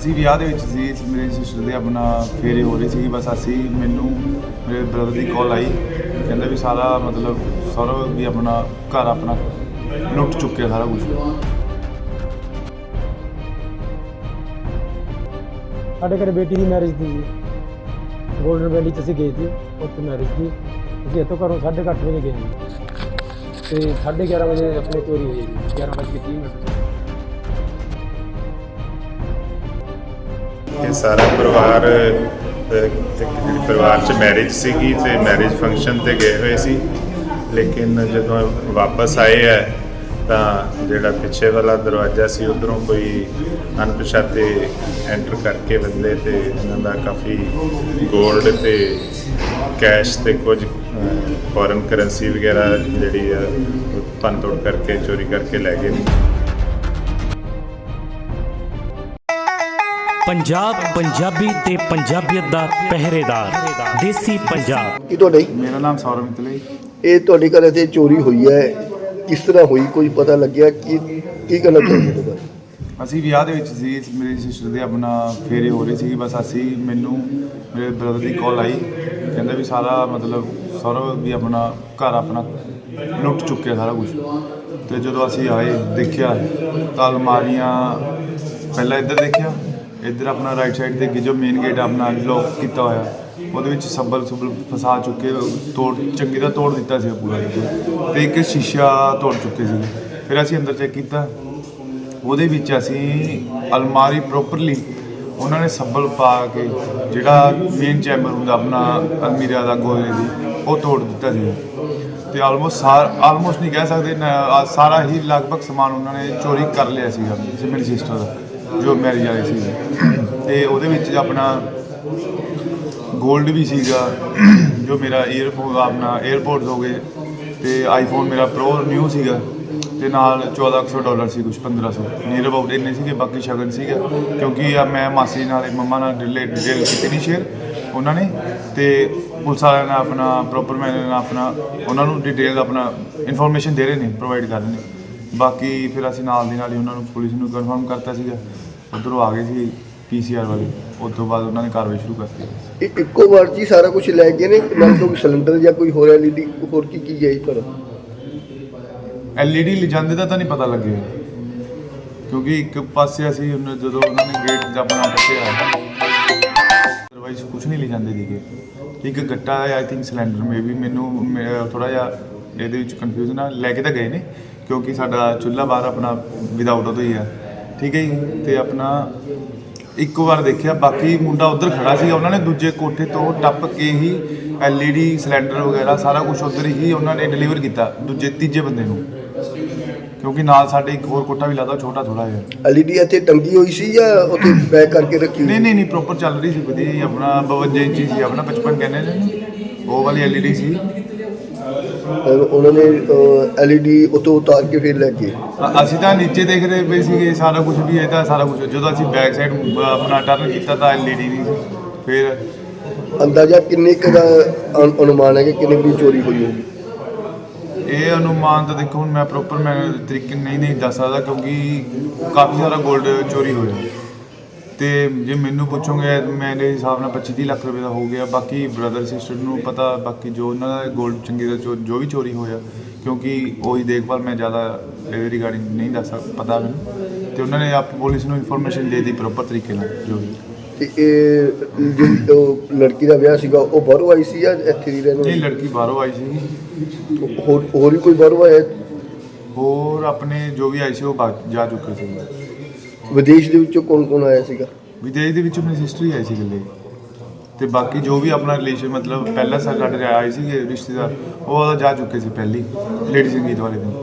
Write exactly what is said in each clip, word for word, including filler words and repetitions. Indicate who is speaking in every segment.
Speaker 1: ਅਸੀਂ ਵਿਆਹ ਦੇ ਵਿੱਚ ਸੀ। ਮੇਰੀ ਸਿਸਟਰ ਦੇ ਆਪਣਾ ਫੇਰੇ ਹੋ ਰਹੇ ਸੀ। ਬਸ ਅਸੀਂ ਮੈਨੂੰ ਮੇਰੇ ਬ੍ਰਦਰ ਦੀ ਕਾਲ ਆਈ, ਕਹਿੰਦਾ ਵੀ ਸਾਰਾ ਮਤਲਬ ਸਾਰਾ ਵੀ ਆਪਣਾ ਘਰ ਆਪਣਾ ਲੁੱਟ ਚੁੱਕਿਆ ਸਾਰਾ ਕੁਝ।
Speaker 2: ਸਾਡੇ ਘਰ ਬੇਟੀ ਦੀ ਮੈਰਿਜ ਸੀ ਜੀ, ਗੋਲਡਨ ਵੈਲੀ 'ਚ ਅਸੀਂ ਗਏ ਸੀ, ਉੱਥੇ ਮੈਰਿਜ ਸੀ। ਅਸੀਂ ਇੱਥੋਂ ਘਰੋਂ ਸਾਢੇ ਕੁ ਅੱਠ ਵਜੇ ਗਏ ਜੀ ਅਤੇ ਸਾਢੇ ਗਿਆਰਾਂ ਵਜੇ ਆਪਣੇ ਚੋਰੀ ਹੋਈ ਹੈ ਜੀ, ਗਿਆਰਾਂ ਵੱਜ ਕੇ ਤੀਹ ਮਿੰਟ।
Speaker 3: ਇਹ ਸਾਰਾ ਪਰਿਵਾਰ ਇੱਕ ਪਰਿਵਾਰ 'ਚ ਮੈਰਿਜ ਸੀਗੀ ਅਤੇ ਮੈਰਿਜ ਫੰਕਸ਼ਨ 'ਤੇ ਗਏ ਹੋਏ ਸੀ, ਲੇਕਿਨ ਜਦੋਂ ਵਾਪਸ ਆਏ ਹੈ ਤਾਂ ਜਿਹੜਾ ਪਿੱਛੇ ਵਾਲਾ ਦਰਵਾਜ਼ਾ ਸੀ ਉੱਧਰੋਂ ਕੋਈ ਅਣਪਛਾਤੇ ਐਂਟਰ ਕਰਕੇ ਬੰਦੇ ਅਤੇ ਇਹਨਾਂ ਦਾ ਕਾਫੀ ਗੋਲਡ ਅਤੇ ਕੈਸ਼ ਅਤੇ ਕੁਝ ਫੋਰਨ ਕਰੰਸੀ ਵਗੈਰਾ ਜਿਹੜੀ ਆ ਭੰਨ ਤੋੜ ਕਰਕੇ ਚੋਰੀ ਕਰਕੇ ਲੈ ਗਏ।
Speaker 4: ਪੰਜਾਬ ਪੰਜਾਬੀ ਤੇ ਪੰਜਾਬੀਅਤ ਦਾ ਪਹਿਰੇਦਾਰ ਦੇਸੀ ਪੰਜਾਬ।
Speaker 5: ਕੀ ਤੁਹਾਡਾ ਜੀ?
Speaker 1: ਮੇਰਾ ਨਾਮ ਸੌਰਵ ਮਿੱਤਲ ਹੈ।
Speaker 5: ਇਹ ਤੁਹਾਡੇ ਘਰ ਇੱਥੇ ਚੋਰੀ ਹੋਈ ਹੈ, ਕਿਸ ਤਰ੍ਹਾਂ ਹੋਈ, ਕੋਈ ਪਤਾ ਲੱਗਿਆ? ਕੀ ਕੀ ਕਹਿਣਾ ਚਾਹੁੰਦੇ ਹੋ?
Speaker 1: ਅਸੀਂ ਵਿਆਹ ਦੇ ਵਿੱਚ ਸੀ। ਮੇਰੀ ਸਿਸਟਰ ਦੇ ਆਪਣਾ ਫੇਰੇ ਹੋ ਰਹੇ ਸੀ। ਬਸ ਅਸੀਂ ਮੈਨੂੰ ਮੇਰੇ ਬ੍ਰਦਰ ਦੀ ਕਾਲ ਆਈ, ਕਹਿੰਦਾ ਵੀ ਸਾਰਾ ਮਤਲਬ ਸਾਰਾ ਵੀ ਆਪਣਾ ਘਰ ਆਪਣਾ ਲੁੱਟ ਚੁੱਕਿਆ ਸਾਰਾ ਕੁਝ। ਅਤੇ ਜਦੋਂ ਅਸੀਂ ਆਏ ਦੇਖਿਆ ਤਾਂ ਅਲਮਾਰੀਆਂ ਪਹਿਲਾਂ ਇੱਧਰ ਦੇਖਿਆ, ਇੱਧਰ ਆਪਣਾ ਰਾਈਟ ਸਾਈਡ 'ਤੇ ਜੋ ਮੇਨ ਗੇਟ ਆਪਣਾ ਲੋਕ ਕੀਤਾ ਹੋਇਆ, ਉਹਦੇ ਵਿੱਚ ਸੱਬਲ ਸੁੱਬਲ ਫਸਾ ਚੁੱਕੇ, ਤੋੜ ਚੰਗੀ ਤਰ੍ਹਾਂ ਤੋੜ ਦਿੱਤਾ ਸੀ ਪੂਰਾ, ਅਤੇ ਇੱਕ ਸ਼ੀਸ਼ਾ ਤੋੜ ਚੁੱਕੇ ਸੀ। ਫਿਰ ਅਸੀਂ ਅੰਦਰ ਚੈੱਕ ਕੀਤਾ, ਉਹਦੇ ਵਿੱਚ ਅਸੀਂ ਅਲਮਾਰੀ ਪ੍ਰੋਪਰਲੀ ਉਹਨਾਂ ਨੇ ਸੱਬਲ ਪਾ ਕੇ ਜਿਹੜਾ ਮੇਨ ਚੈਂਬਰ ਹੁੰਦਾ ਆਪਣਾ ਅਲਮੀਰਾ ਦਾ ਗੋਲੇ ਦੀ, ਉਹ ਤੋੜ ਦਿੱਤਾ ਸੀ। ਅਤੇ ਆਲਮੋਸਟ ਸਾਰ ਆਲਮੋਸਟ ਨਹੀਂ ਕਹਿ ਸਕਦੇ, ਸਾਰਾ ਹੀ ਲਗਭਗ ਸਮਾਨ ਉਹਨਾਂ ਨੇ ਚੋਰੀ ਕਰ ਲਿਆ ਸੀਗਾ ਮੇਰੀ ਸਿਸਟਰ ਦਾ ਜੋ ਮੈਰਿਜ ਵਾਲੇ ਸੀ। ਅਤੇ ਉਹਦੇ ਵਿੱਚ ਆਪਣਾ ਗੋਲਡ ਵੀ ਸੀਗਾ, ਜੋ ਮੇਰਾ ਏਅਰਫੋਨ ਆਪਣਾ ਏਅਰਪੋਰਟਸ ਹੋ ਗਏ, ਅਤੇ ਆਈਫੋਨ ਮੇਰਾ ਪ੍ਰੋ ਨਿਊ ਸੀਗਾ, ਅਤੇ ਨਾਲ ਚੌਦਾਂ ਕੁ ਸੌ ਡਾਲਰ ਸੀ, ਕੁਛ ਪੰਦਰਾਂ ਸੌ ਨੀਅਰ ਅਬਾਊਟ ਇੰਨੇ ਸੀਗੇ। ਬਾਕੀ ਸ਼ਗਨ ਸੀਗਾ, ਕਿਉਂਕਿ ਮੈਂ ਮਾਸੀ ਨਾਲ ਮੰਮਾ ਨਾਲ ਡਿਲੇ ਡਿਟੇਲ ਕੀਤੀ ਨਹੀਂ ਸ਼ੇਅਰ ਉਹਨਾਂ ਨੇ, ਅਤੇ ਪੁਲਿਸ ਵਾਲਿਆਂ ਨੇ ਆਪਣਾ ਪ੍ਰੋਪਰ ਮੈਨਰ ਨਾਲ ਆਪਣਾ ਉਹਨਾਂ ਨੂੰ ਡਿਟੇਲ ਆਪਣਾ ਇਨਫੋਰਮੇਸ਼ਨ ਦੇ ਰਹੇ ਨੇ, ਪ੍ਰੋਵਾਈਡ ਕਰ ਰਹੇ ਨੇ। ਬਾਕੀ ਫਿਰ ਅਸੀਂ ਨਾਲ ਦੀ ਨਾਲ ਹੀ ਉਹਨਾਂ ਨੂੰ ਪੁਲਿਸ ਨੂੰ ਕਨਫਰਮ ਕਰਤਾ ਸੀਗਾ, ਉੱਧਰੋਂ ਆ ਗਏ ਸੀ ਪੀ ਸੀ ਆਰ ਵਾਲੇ, ਉਸ ਤੋਂ ਬਾਅਦ ਉਹਨਾਂ ਨੇ ਕਾਰਵਾਈ ਸ਼ੁਰੂ ਕਰਤੀ।
Speaker 5: ਇਹ ਇੱਕੋ ਵਾਰ 'ਚ ਹੀ ਸਾਰਾ ਕੁਝ ਲੈ ਗਏ ਨੇ? ਨਾਲ ਕੋਈ ਸਿਲੰਡਰ ਜਾਂ ਕੋਈ ਹੋਰ ਐਲ ਈ ਡੀ ਹੋਰ ਕੀ ਕੀ ਗਈ? ਪਰ
Speaker 1: ਐਲ ਈ ਡੀ ਲਿਜਾਂਦੇ ਦਾ ਤਾਂ ਨਹੀਂ ਪਤਾ ਲੱਗਿਆ, ਕਿਉਂਕਿ ਇੱਕ ਪਾਸੇ ਅਸੀਂ ਜਦੋਂ ਉਹਨਾਂ ਨੇ ਗੇਟ ਆਪਣਾ ਕੱਟਿਆ, ਅਦਰਵਾਈਜ਼ ਕੁਛ ਨਹੀਂ ਲਿਜਾਂਦੇ ਸੀਗੇ। ਇੱਕ ਗੱਟਾ ਆਈ ਥਿੰਕ ਸਿਲੰਡਰ ਮੇ ਵੀ, ਮੈਨੂੰ ਥੋੜ੍ਹਾ ਜਿਹਾ ਇਹਦੇ ਵਿੱਚ ਕਨਫਿਊਜ਼ਨ ਆ। ਲੈ ਕੇ ਤਾਂ ਗਏ ਨੇ, ਕਿਉਂਕਿ ਸਾਡਾ ਚੁੱਲ੍ਹਾ ਬਾਹਰ ਆਪਣਾ ਵਿਦਾਊਟ ਉਹਦਾ ਹੀ ਆ, ਠੀਕ ਹੈ ਜੀ। ਅਤੇ ਆਪਣਾ ਇੱਕ ਵਾਰ ਦੇਖਿਆ, ਬਾਕੀ ਮੁੰਡਾ ਉੱਧਰ ਖੜ੍ਹਾ ਸੀਗਾ, ਉਹਨਾਂ ਨੇ ਦੂਜੇ ਕੋਠੇ ਤੋਂ ਟੱਪ ਕੇ ਹੀ ਐਲ ਈ ਡੀ ਸਿਲੰਡਰ ਵਗੈਰਾ ਸਾਰਾ ਕੁਛ ਉੱਧਰ ਹੀ ਉਹਨਾਂ ਨੇ ਡਿਲੀਵਰ ਕੀਤਾ ਦੂਜੇ ਤੀਜੇ ਬੰਦੇ ਨੂੰ, ਕਿਉਂਕਿ ਨਾਲ ਸਾਡੇ ਇੱਕ ਹੋਰ ਕੋਠਾ ਵੀ ਲੱਗਦਾ ਛੋਟਾ ਥੋੜ੍ਹਾ ਜਿਹਾ।
Speaker 5: ਐਲ ਈ ਡੀ ਇੱਥੇ ਟੰਗੀ ਹੋਈ ਸੀ ਜਾਂ ਉੱਥੇ ਪੈਕ ਕਰਕੇ ਰੱਖੀ ਹੋਈ?
Speaker 1: ਨਹੀਂ ਨਹੀਂ ਨਹੀਂ ਪ੍ਰੋਪਰ ਚੱਲ ਰਹੀ ਸੀ, ਵਧੀਆ ਜੀ। ਆਪਣਾ ਬਵੰਜਾ ਇੰਚੀ ਸੀ, ਆਪਣਾ ਪਚਪਨ ਕਹਿੰਦੇ ਨੇ, ਉਹ ਵਾਲੀ ਐਲ ਈ ਡੀ ਸੀ।
Speaker 5: ਉਹਨਾਂ ਨੇ ਐਲ ਈ ਡੀ ਉੱਥੋਂ ਉਤਾਰ ਕੇ ਫਿਰ ਲੈ ਕੇ?
Speaker 1: ਅਸੀਂ ਤਾਂ ਨੀਚੇ ਦੇਖ ਰਹੇ ਪਏ ਸੀਗੇ, ਸਾਰਾ ਕੁਝ ਵੀ ਇਹ ਤਾਂ ਸਾਰਾ ਕੁਝ। ਜਦੋਂ ਅਸੀਂ ਬੈਕ ਸਾਈਡ ਆਪਣਾ ਟਰਨ ਕੀਤਾ ਤਾਂ ਐਲ ਈ ਡੀ ਨਹੀਂ ਸੀ। ਫਿਰ
Speaker 5: ਅੰਦਾਜ਼ਾ ਕਿੰਨੇ ਕੁ ਦਾ ਅਨੁ- ਅਨੁਮਾਨ ਹੈ ਕਿ ਕਿੰਨੇ ਦੀ ਚੋਰੀ ਹੋਈ ਹੋਊਗੀ?
Speaker 1: ਇਹ ਅਨੁਮਾਨ ਤਾਂ ਦੇਖੋ ਹੁਣ ਮੈਂ ਪ੍ਰੋਪਰ ਮੈਂ ਤਰੀਕੇ ਨਹੀਂ ਨਹੀਂ ਦੱਸ ਸਕਦਾ, ਕਿਉਂਕਿ ਕਾਫੀ ਸਾਰਾ ਗੋਲਡ ਚੋਰੀ ਹੋਇਆ। ਅਤੇ ਜੇ ਮੈਨੂੰ ਪੁੱਛੋਗੇ ਮੇਰੇ ਹਿਸਾਬ ਨਾਲ ਪੱਚੀ ਤੀਹ ਲੱਖ ਰੁਪਏ ਦਾ ਹੋ ਗਿਆ। ਬਾਕੀ ਬ੍ਰਦਰ ਸਿਸਟਰ ਨੂੰ ਪਤਾ, ਬਾਕੀ ਜੋ ਉਹਨਾਂ ਦਾ ਗੋਲਡ ਚੰਗੀ ਦਾ ਚੋ ਜੋ ਵੀ ਚੋਰੀ ਹੋਇਆ, ਕਿਉਂਕਿ ਉਹੀ ਦੇਖਭਾਲ ਮੈਂ ਜ਼ਿਆਦਾ ਇਹਦੇ ਰਿਗਾਰਡਿੰਗ ਨਹੀਂ ਦੱਸ ਸਕ ਪਤਾ ਮੈਨੂੰ। ਅਤੇ ਉਹਨਾਂ ਨੇ ਆਪ ਪੁਲਿਸ ਨੂੰ ਇਨਫੋਰਮੇਸ਼ਨ ਦੇ ਦਿੱਤੀ ਪ੍ਰੋਪਰ ਤਰੀਕੇ ਨਾਲ ਜੋ ਵੀ।
Speaker 5: ਅਤੇ ਇਹ ਜੋ ਉਹ ਲੜਕੀ ਦਾ ਵਿਆਹ ਸੀਗਾ ਉਹ ਬਾਹਰੋਂ ਆਈ ਸੀ ਜਾਂ ਇੱਥੇ ਦੀ ਰਹਿਣ?
Speaker 1: ਨਹੀਂ, ਲੜਕੀ ਬਾਹਰੋਂ ਆਈ ਸੀ।
Speaker 5: ਹੋਰ ਹੋਰ ਵੀ ਕੋਈ ਬਾਹਰੋਂ ਆਇਆ?
Speaker 1: ਹੋਰ ਆਪਣੇ ਜੋ ਵੀ ਆਏ ਸੀ ਉਹ ਬਾਹਰ ਜਾ ਚੁੱਕੇ ਸੀ।
Speaker 5: ਵਿਦੇਸ਼ ਦੇ ਵਿੱਚੋਂ ਕੌਣ ਕੌਣ ਆਇਆ ਸੀਗਾ?
Speaker 1: ਵਿਦੇਸ਼ ਦੇ ਵਿੱਚੋਂ ਮੇਰੀ ਸਿਸਟਰ ਹੀ ਆਈ ਸੀ ਇਕੱਲੇ, ਅਤੇ ਬਾਕੀ ਜੋ ਵੀ ਆਪਣਾ ਰਿਲੇਸ਼ਨ ਮਤਲਬ ਪਹਿਲਾਂ ਸਾਡੇ ਸਾਡੇ ਆਏ ਸੀਗੇ ਰਿਸ਼ਤੇਦਾਰ, ਉਹ ਜਾ ਚੁੱਕੇ ਸੀ ਪਹਿਲੀ ਲੇਡੀ ਸੰਗੀਤ ਵਾਲੇ ਦਿਨ।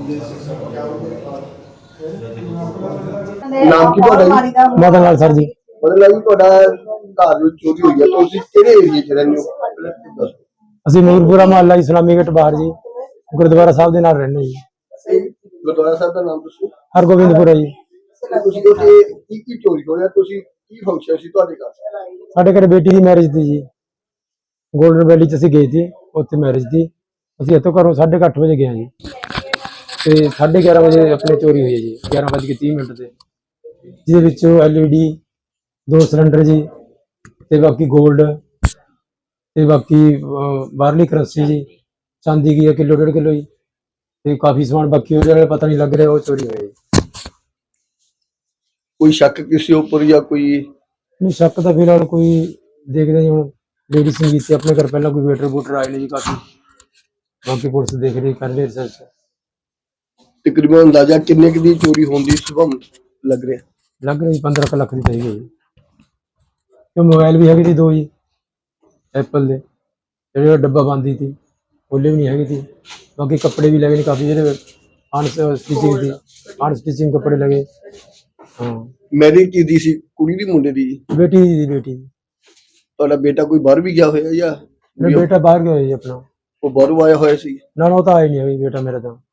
Speaker 5: ਨਾਮ ਕੀ ਤੁਹਾਡਾ ਜੀ?
Speaker 2: ਮਦਨ ਲਾਲ ਸਰ ਜੀ।
Speaker 5: ਮਦਨ ਲਾਲ ਜੀ, ਤੁਹਾਡਾ ਘਰ ਵਿੱਚ ਚੋਰੀ ਹੋਈ ਹੈ, ਤੁਸੀਂ ਕਿਹੜੇ ਏਰੀਏ 'ਚ ਰਹਿੰਦੇ ਹੋ?
Speaker 2: ਅਸੀਂ ਨੂਰਪੁਰਾ ਮੁਹੱਲਾ ਇਸਲਾਮੀ ਗੇਟ ਬਾਹਰ ਜੀ, ਗੁਰਦੁਆਰਾ ਸਾਹਿਬ ਦੇ ਨਾਲ ਰਹਿੰਦੇ ਜੀ।
Speaker 5: ਇਹ ਗੁਰਦੁਆਰਾ ਸਾਹਿਬ ਦਾ ਨਾਮ ਦੱਸੋ।
Speaker 2: ਹਰਗੋਬਿੰਦਪੁਰਾ ਜੀ।
Speaker 5: ਤੁਸੀਂ ਉੱਥੇ ਕੀ ਕੀ ਚੋਰੀ ਹੋਇਆ? ਤੁਸੀਂ ਕੀ ਫੰਕਸ਼ਨ ਸੀ ਤੁਹਾਡੇ ਘਰ?
Speaker 2: ਸਾਡੇ ਘਰ ਬੇਟੀ ਦੀ ਮੈਰਿਜ ਸੀ ਜੀ, ਗੋਲਡਨ ਵੈਲੀ 'ਚ ਅਸੀਂ ਗਏ ਸੀ, ਉੱਥੇ ਮੈਰਿਜ ਸੀ। ਅਸੀਂ ਇੱਥੋਂ ਘਰੋਂ ਸਾਢੇ ਕੁ ਅੱਠ ਵਜੇ ਗਏ ਜੀ, ਅਤੇ ਸਾਢੇ ਗਿਆਰਾਂ ਵਜੇ ਆਪਣੇ ਚੋਰੀ ਹੋਈ ਹੈ ਜੀ, ਗਿਆਰਾਂ ਵੱਜ ਕੇ ਤੀਹ ਮਿੰਟ 'ਤੇ, ਜਿਹਦੇ ਵਿੱਚੋਂ ਐਲ ਈ ਡੀ ਦੋ ਸਿਲੰਡਰ ਜੀ ਤੇ ਬਾਕੀ 골ਡ ਤੇ ਬਾਕੀ ਅਹ, ਬਾਹਰਲੀ ਕਰੰਸੀ ਜੀ, ਚਾਂਦੀ ਕੀ ਹੈ ਕਿਲੋ ਡੇਢ ਕਿਲੋ ਜੀ, ਤੇ ਕਾਫੀ ਸਮਾਨ ਬਾਕੀ ਉਹਦੇ ਨਾਲ ਪਤਾ ਨਹੀਂ ਲੱਗ ਰਿਹਾ ਉਹ ਚੋਰੀ ਹੋਇਆ ਜੀ।
Speaker 5: ਕੋਈ ਸ਼ੱਕ ਕਿਸੇ ਉੱਪਰ ਜਾਂ ਕੋਈ
Speaker 2: ਨਹੀਂ ਸ਼ੱਕ ਤਾਂ ਫਿਲਹਾਲ ਕੋਈ ਦੇਖਦੇ ਨਹੀਂ ਹੁਣ। ਲੇਡੀ ਸੰਗੀਤ ਤੇ ਆਪਣੇ ਘਰ ਪਹਿਲਾਂ ਕੋਈ ਵੇਟਰ ਵੂਟਰ ਆਏ ਨੇ ਜੀ ਕਾਫੀ, ਬਾਕੀ ਪੁਲਿਸ ਦੇਖ ਰਹੀ ਕਰ ਰਹੀ ਰਿਸਰਚ।
Speaker 5: ਤਕਰੀਬਨ ਅੰਦਾਜ਼ਾ ਕਿੰਨੇ ਕੁ ਦੀ ਚੋਰੀ ਹੋਣ ਦੀ ਸੰਭਾਵਨਾ ਲੱਗ ਰਿਹਾ?
Speaker 2: ਲੱਗ ਰਹੀ ਪੰਦਰਾਂ ਕੁ ਲੱਖ ਦੀ ਚਾਹੀਦੀ ਹੈ ਜੀ। ਤੇ ਮੋਬਾਈਲ ਵੀ ਹੈਗੇ ਸੀ ਦੋ ਜੀ ਐਪਲ ਦੇ, ਜਿਹੜੇ ਡੱਬਾ ਬੰਦੀ ਸੀ ਉਹਲੇ ਵੀ ਨਹੀਂ ਹੈਗੇ ਸੀ। ਬਾਕੀ ਕੱਪੜੇ ਵੀ ਲਗੇ ਨੇ ਕਾਫੀ, ਜਿਹੜੇ ਅਨ ਸਟਿਚਿੰਗ ਸੀ, ਅਨ ਸਟਿਚਿੰਗ ਕੱਪੜੇ ਲਗੇ। ਹਾਂ
Speaker 5: ਮੈਰਿਜ ਕੀ ਦੀ ਸੀ, ਕੁੜੀ ਦੀ ਮੁੰਡੇ ਦੀ?
Speaker 2: ਬੇਟੀ ਦੀ ਬੇਟੀ ਦੀ।
Speaker 5: ਤੁਹਾਡਾ ਬੇਟਾ ਕੋਈ ਬਾਹਰ ਵੀ ਗਿਆ ਹੋਇਆ ਜਾਂ
Speaker 2: ਮੇਰਾ ਬੇਟਾ ਬਾਹਰ ਗਿਆ ਹੋਇਆ ਜੀ ਆਪਣਾ।
Speaker 5: ਉਹ ਬਾਹਰੋਂ ਆਇਆ ਹੋਇਆ ਸੀ?
Speaker 2: ਨਾ ਨਾ ਉਹ ਤਾਂ ਆਇਆ ਨਹੀਂ ਹੋਈ ਬੇਟਾ ਮੇਰਾ ਤਾਂ।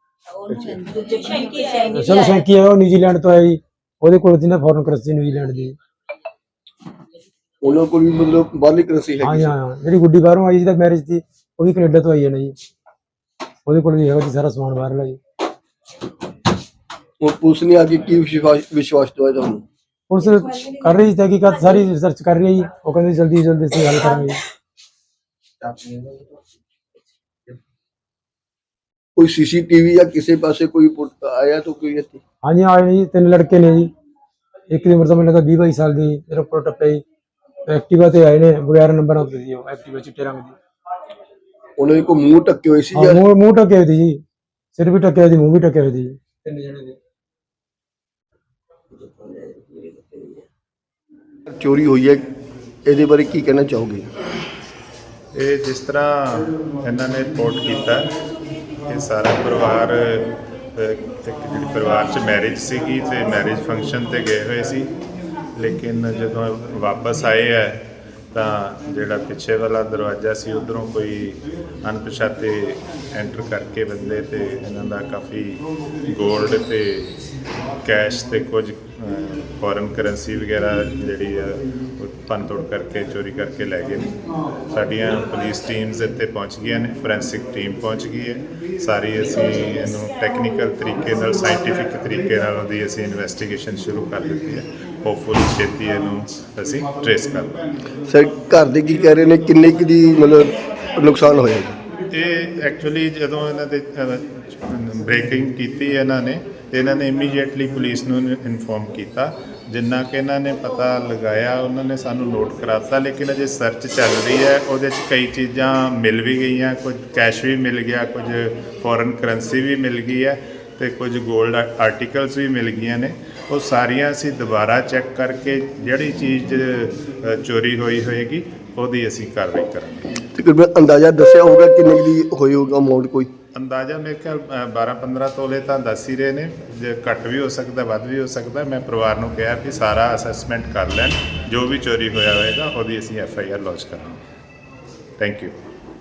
Speaker 2: ਚਲੋ ਸ਼ੈਂਕੀ ਹੈ, ਉਹ ਨਿਊਜ਼ੀਲੈਂਡ ਤੋਂ ਆਇਆ ਜੀ, ਉਹਦੇ ਕੋਲ ਸੀ ਨਾ ਫੋਰਨ ਕਰੰਸੀ ਨਿਊਜ਼ੀਲੈਂਡ ਦੀ।
Speaker 5: ਉਹਨਾਂ ਕੋਲ ਵੀ ਮਤਲਬ ਬਾਹਰਲੀ ਕਰੰਸੀ
Speaker 2: ਹਾਂ
Speaker 5: ਹੈਗੀ
Speaker 2: ਜੀ
Speaker 5: ਸੀ?
Speaker 2: ਹਾਂ, ਜਿਹੜੀ ਗੁੱਡੀ ਬਾਹਰੋਂ ਆਈ ਜਿਹਦਾ ਮੈਰਿਜ ਸੀ ਉਹ ਵੀ ਕੈਨੇਡਾ ਤੋਂ ਆਈ ਹੈ ਨਾ ਜੀ, ਉਹਦੇ ਕੋਲ ਵੀ ਹੈਗਾ ਜੀ ਸਾਰਾ ਸਮਾਨ ਬਾਹਰਲਾ ਜੀ।
Speaker 5: ਹੁਣ ਪੁਲਿਸ ਨੇ ਆ ਕੇ ਕੀ ਵਿਸ਼ਵਾਸ ਵਿਸ਼ਵਾਸ ਦਵਾਇਆ ਤੁਹਾਨੂੰ?
Speaker 2: ਪੁਲਿਸ ਕਰ ਰਹੀ ਸੀ ਤਹਿਕੀਕਾਤ, ਸਾਰੀ ਰਿਸਰਚ ਕਰ ਰਹੀ ਹੈ ਜੀ। ਉਹ ਕਹਿੰਦੇ ਜਲਦੀ ਜਲਦੀ ਅਸੀਂ ਹੱਲ ਕਰਾਂਗੇ ਜੀ।
Speaker 5: ਕੋਈ ਸੀਸੀਟੀਵੀ ਜਾਂ ਕਿਸੇ ਪਾਸੇ ਕੋਈ ਪੁੱਟ ਆਇਆ ਤਾਂ ਕੋਈ ਇੱਥੇ?
Speaker 2: हाँ जी आए जी, तीन लड़के ने जी। एक की उम्र तो मैंने लगा बीस बाईस साल की, मेरे ऊपर टप्पे जी एक्टिवा ते आए ने बगैर नंबर होते जी, एक्टिवा चिट्टे रंग दी।
Speaker 5: ਉਹਨਾਂ ਦੇ ਕੋਈ ਮੂੰਹ ਢੱਕੇ ਹੋਏ ਸੀ
Speaker 2: हाँ
Speaker 5: ਜਾਂ
Speaker 2: मुंह मुंह ढके हुए थी जी, सिर भी ढके हुए थी, मुंह भी ढके हुए थी। तीन जने थे।
Speaker 5: ਚੋਰੀ ਹੋਈ ਹੈ, ਇਹਦੇ ਬਾਰੇ ਕੀ ਕਹਿਣਾ ਚਾਹੋਗੇ?
Speaker 3: ਇਹ ਜਿਸ ਤਰ੍ਹਾਂ ਇਹਨਾਂ ਨੇ ਰਿਪੋਰਟ ਕੀਤਾ, ਇਹ ਸਾਰਾ ਪਰਿਵਾਰ ਅਹ, ਇੱਕ ਜਿਹੜੀ ਪਰਿਵਾਰ 'ਚ ਮੈਰਿਜ ਸੀਗੀ ਤੇ ਮੈਰਿਜ ਫੰਕਸ਼ਨ ਤੇ ਗਏ ਹੋਏ ਸੀ, ਲੇਕਿਨ ਜਦੋਂ ਵਾਪਸ ਆਏ ਹੈ ਤਾਂ ਜਿਹੜਾ ਪਿੱਛੇ ਵਾਲਾ ਦਰਵਾਜ਼ਾ ਸੀ ਉੱਧਰੋਂ ਕੋਈ ਅਣਪਛਾਤੇ ਐਂਟਰ ਕਰਕੇ ਬੰਦੇ ਤੇ ਇਹਨਾਂ ਦਾ ਕਾਫੀ ਗੋਲਡ ਤੇ ਕੈਸ਼ ਤੇ ਕੁਝ ਫੋਰਨ ਕਰੰਸੀ ਵਗੈਰਾ ਜਿਹੜੀ ਆ ਉਹ ਭੰਨ ਤੋੜ ਕਰਕੇ ਚੋਰੀ ਕਰਕੇ ਲੈ ਗਏ ਨੇ। ਸਾਡੀਆਂ ਪੁਲਿਸ ਟੀਮਸ ਇੱਥੇ ਪਹੁੰਚ ਗਈਆਂ ਨੇ, ਫੋਰੈਂਸਿਕ ਟੀਮ ਪਹੁੰਚ ਗਈ ਹੈ ਸਾਰੀ। ਅਸੀਂ ਇਹਨੂੰ ਟੈਕਨੀਕਲ ਤਰੀਕੇ ਨਾਲ, ਸਾਇੰਟੀਫਿਕ ਤਰੀਕੇ ਨਾਲ ਉਹਦੀ ਅਸੀਂ ਇਨਵੈਸਟੀਗੇਸ਼ਨ ਸ਼ੁਰੂ ਕਰ ਦਿੱਤੀ ਹੈ। ਹੋਪਫੁਲੀ ਛੇਤੀ ਇਹਨੂੰ ਅਸੀਂ ਟ੍ਰੇਸ ਕਰ ਲਵਾਂਗੇ।
Speaker 5: ਸਰ ਘਰ ਦੇ ਕੀ ਕਹਿ ਰਹੇ ਨੇ, ਕਿੰਨੇ ਕੁ ਦੀ ਮਤਲਬ ਨੁਕਸਾਨ ਹੋਇਆ ਜੀ?
Speaker 3: ਇਹ ਐਕਚੁਅਲੀ ਜਦੋਂ ਇਹਨਾਂ ਦੇ ਬ੍ਰੇਕਿੰਗ ਕੀਤੀ ਇਹਨਾਂ ਨੇ, ਤੇ ਇਹਨਾਂ ਨੇ ਇਮੀਡੀਏਟਲੀ ਪੁਲਿਸ ਨੂੰ ਇਨਫੋਰਮ ਕੀਤਾ। ਜਿੰਨਾ ਕਿ ਇਹਨਾਂ ਨੇ ਪਤਾ ਲਗਾਇਆ ਉਹਨਾਂ ਨੇ ਸਾਨੂੰ ਨੋਟ ਕਰਾਤਾ, ਲੇਕਿਨ ਅਜੇ ਸਰਚ ਚੱਲ ਰਹੀ ਹੈ। ਉਹਦੇ 'ਚ ਕਈ ਚੀਜ਼ਾਂ ਮਿਲ ਵੀ ਗਈਆਂ, ਕੁਝ ਕੈਸ਼ ਵੀ ਮਿਲ ਗਿਆ, ਕੁਝ ਫੋਰਨ ਕਰੰਸੀ ਵੀ ਮਿਲ ਗਈ ਹੈ ਤੇ ਕੁਝ ਗੋਲਡ ਆਰਟੀਕਲਸ ਵੀ ਮਿਲ ਗਈਆਂ ਨੇ। ਉਹ ਸਾਰੀਆਂ ਅਸੀਂ ਦੁਬਾਰਾ ਚੈੱਕ ਕਰਕੇ ਜਿਹੜੀ ਚੀਜ਼ ਅ, ਚੋਰੀ ਹੋਈ ਹੋਏਗੀ ਉਹਦੀ ਅਸੀਂ ਕਾਰਵਾਈ ਕਰਾਂਗੇ।
Speaker 5: ਤਕਰੀਬਨ ਅੰਦਾਜ਼ਾ ਦੱਸਿਆ ਹੋਊਗਾ ਕਿੰਨੇ ਕੁ ਦੀ ਹੋਈ ਹੋਊਗਾ ਅਮਾਉਂਟ? ਕੋਈ
Speaker 3: ਅੰਦਾਜ਼ਾ ਮੇਰੇ ਖਿਆਲ ਬਾਰਾਂ ਪੰਦਰਾਂ ਤੋਲੇ ਤਾਂ ਦੱਸ ਹੀ ਰਹੇ ਨੇ, ਜੇ ਘੱਟ ਵੀ ਹੋ ਸਕਦਾ, ਵੱਧ ਵੀ ਹੋ ਸਕਦਾ। ਮੈਂ ਪਰਿਵਾਰ ਨੂੰ ਕਿਹਾ ਕਿ ਸਾਰਾ ਅਸੈਸਮੈਂਟ ਕਰ ਲੈਣ, ਜੋ ਵੀ ਚੋਰੀ ਹੋਇਆ ਹੋਏਗਾ ਉਹਦੀ ਅਸੀਂ ਐਫ ਆਈ ਆਰ ਲੌਂਚ ਕਰਾਂਗੇ। Thank you.